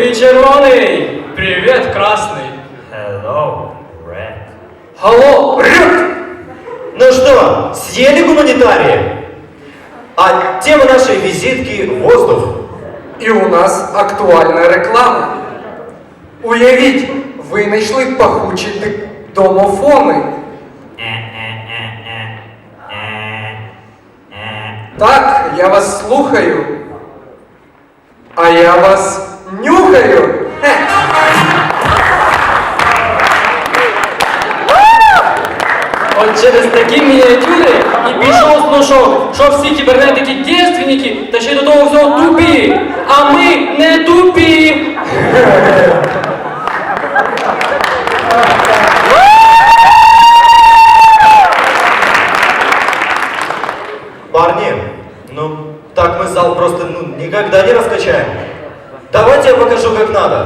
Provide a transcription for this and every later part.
Привіт, червоний! Привіт, красний! Hello, Red. Алло, Рюк! Ну что, съели гуманитарии? А тема нашей визитки – воздух. І у нас актуальна реклама. Уявіть, ви знайшли пахучі домофони. Так, я вас слухаю. А я вас нюхаю. От через такі мініатюри і пішов слушок, що всі кібернетики дівственники, та ще й до того всього тупі. А ми не тупі. Парни, ну так мы зал просто никогда не раскачаем. Давайте я покажу, как надо.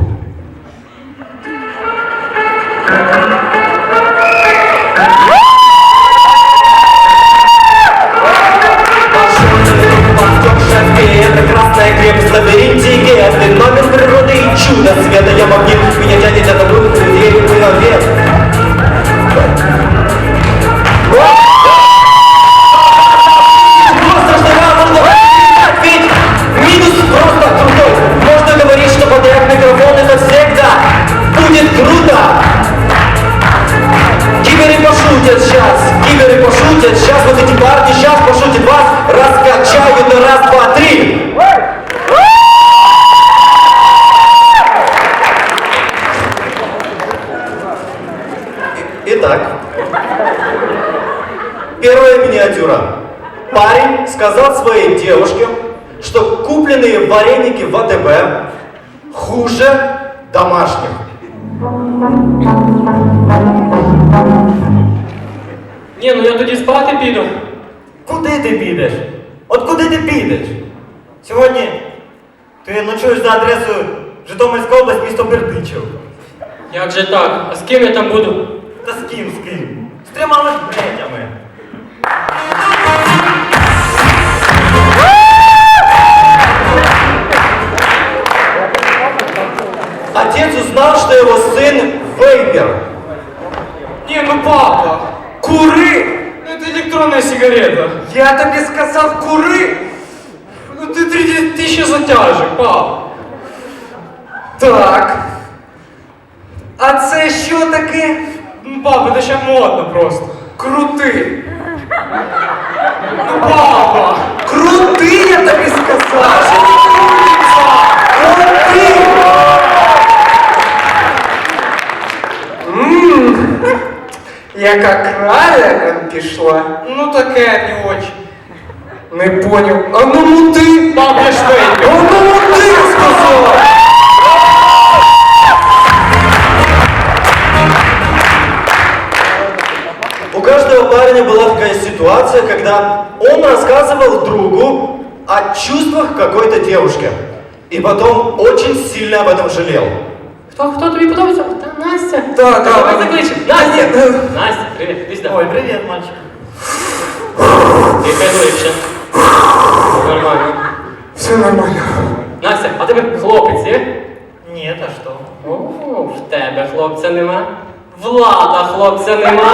Это красная крепость в лабиринте гетты. Номер природы и чудо света. Я магнит, меня тянет от обрыва, деревьев и наверх. Просто что можно ведь минус просто крутой. Можно говорить, что подряд микрофон это всегда будет круто. Киберы пошутят сейчас вот эти парни сейчас пошутят вас, раскачают на раз, два, три. Итак, первая миниатюра. Парень сказал своей девушке, что купленные вареники в АТБ хуже домашних. Ні, ну я тоді спати піду. Куди ти підеш? От куди ти підеш? Сьогодні ти ночуєш за адресою Житомирська область, місто Бердичів. Як же так? А з ким я там буду? Та з ким, з ким? З трьома ведмедями. Отец узнал, что его сын вейпер. Ні, ну папа, кури! Ну це електронна сигарета. Я тобі сказав, кури! Ну ти 3000 затяжок, пап. Так. А це що таке? Ну, папа, це ще модно просто. Крути! Ну, папа! Крути, я тобі сказав! Крути! Яка краля нам пішла? Ну таке не очень. Не поняв. А ну мути! Пап, я ж вейпер. А ну мути, я сказав! У каждого парня была такая ситуация, когда он рассказывал другу о чувствах какой-то девушки. И потом очень сильно об этом жалел. Хто тобі подобається? Та Настя. Так, Давай так. закличем. Ні, Настя! Настя, привіт, іди сюди. Ой, привіт, мальчик. Дихай глибше. Нормально. Все нормально. Настя, а тебе хлопець є? Ні, та що? О, в тебе хлопця нема. Влада хлопця нема.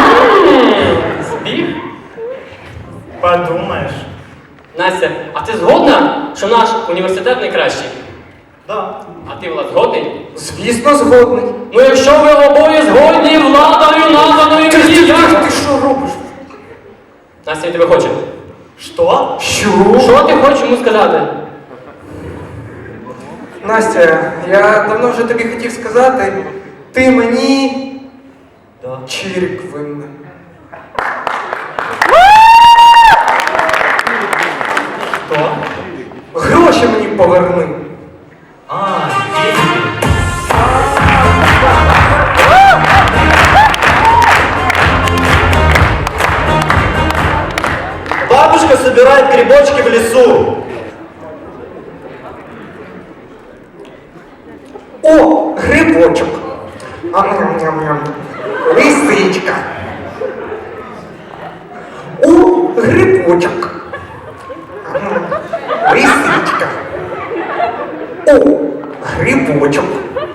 Збіг? Подумаєш. Настя, а ти згодна, що наш університет найкращий? Да. А ти, Влад, згодний? Звісно, згодний. Ну якщо ви обоє згодні, Владою, наданою мені, як? Ти що робиш? Настя, він тебе хоче. Що? Що? Що ти хочеш йому сказати? Настя, я давно вже тобі хотів сказати, ти мені Да. чирик винна. Що? Гроші мені поверни. А, деньги. Бабушка собирает грибочки в лесу. О, грибочок. Ам-ням-ням-ням. Лисичка. О, грибочок. Ам-ням. Лисичка. О, грибочок.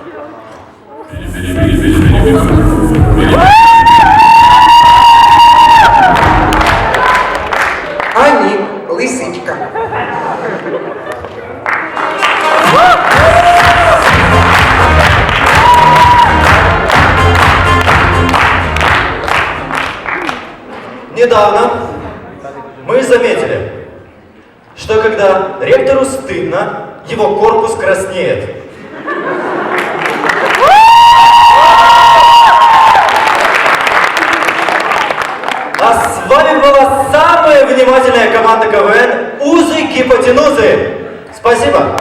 А ні, лисичка. Недавно мы заметили, что когда ректору стыдно, его корпус краснеет. А с вами была самая внимательная команда КВН «Узы Гипотенузы». Спасибо.